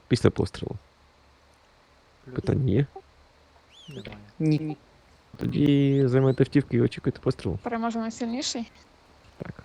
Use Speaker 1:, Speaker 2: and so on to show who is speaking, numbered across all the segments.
Speaker 1: Після пострілу.
Speaker 2: Плюс.
Speaker 1: Питання є?
Speaker 2: Немає.
Speaker 3: Ні.
Speaker 1: Тоді займайте автівки і очікуйте пострілу.
Speaker 4: Переможе найсильніший.
Speaker 1: Так.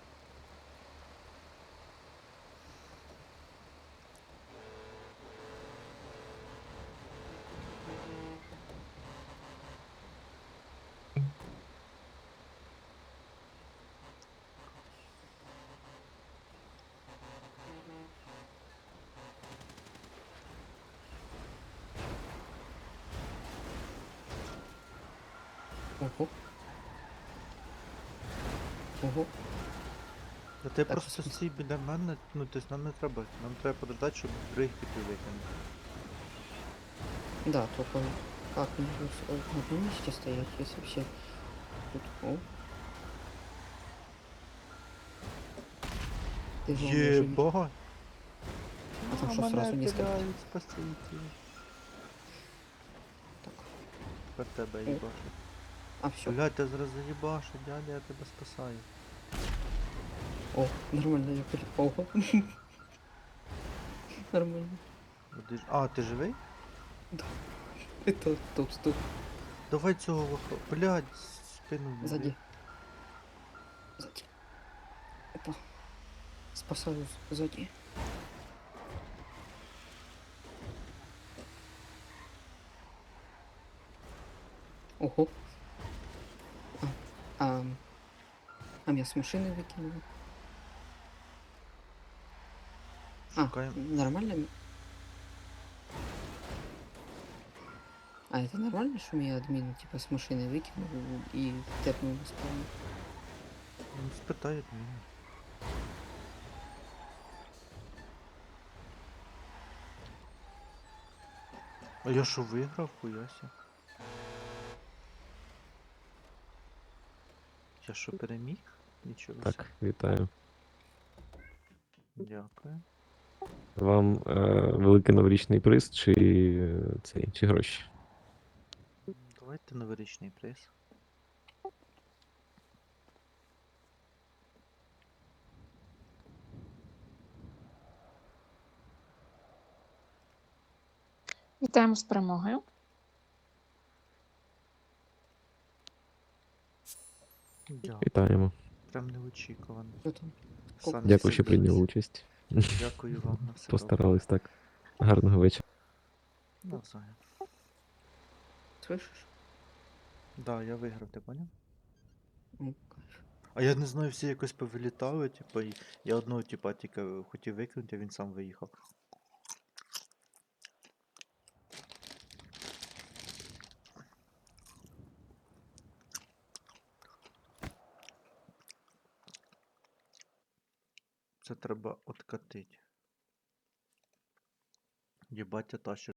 Speaker 3: Ого. Ого.
Speaker 2: Та ти
Speaker 3: Так,
Speaker 2: просто
Speaker 3: щось.
Speaker 2: стій біля мене, ну тобто нам не треба. Нам треба подождати, щоб других піти витягнути.
Speaker 3: Да, только как мне тут на одном месте стоять, если все тут... О. Ты же уже...
Speaker 2: Єбать!
Speaker 3: А там что, сразу несколько?
Speaker 2: Спасите.
Speaker 3: Так.
Speaker 2: Тепер тебе їбашу.
Speaker 3: А, все.
Speaker 2: Блядь, я зараз заїбашу, дядя, я тебе спасаю.
Speaker 3: О, нормально, я припал. Нормально.
Speaker 2: А, ти живий?
Speaker 3: Это тут,
Speaker 2: Давай цього вахо. Блядь, спину не
Speaker 3: сзади.
Speaker 2: бий.
Speaker 3: Сзади. Опа. Спасаю сзади. Ого. А, а меня с машины выкинули. А,
Speaker 2: Шукаємо.
Speaker 3: нормально? А, это нормально, что меня админ типа с машины выкинул и тэпнул на спавн?
Speaker 2: Ну, спитають мене. А я що виграв, хуяся? Я що переміг? Нічого.
Speaker 1: Так, вітаю.
Speaker 2: Дякую.
Speaker 1: Вам великий новорічний приз чи цей, чи гроші?
Speaker 2: Давайте новорічний приз.
Speaker 4: Вітаємо з перемогою.
Speaker 2: Дякую.
Speaker 1: Вітаємо.
Speaker 2: Прям неочікувано.
Speaker 3: Что там?
Speaker 2: Самі
Speaker 1: Дякую, що
Speaker 2: собі.
Speaker 1: прийняли участь.
Speaker 2: Дякую вам на все.
Speaker 1: Постарались так. Гарного вечора.
Speaker 2: добре. Навзаєм.
Speaker 3: Слышишь?
Speaker 2: Да, я виграв, ти поняв?
Speaker 3: Ну, кайф.
Speaker 2: А я не знаю, всі якось повилітали, типу, і я одного типа тільки хотів викинути, а він сам виїхав. Це треба откатити. Єбать, я тащу.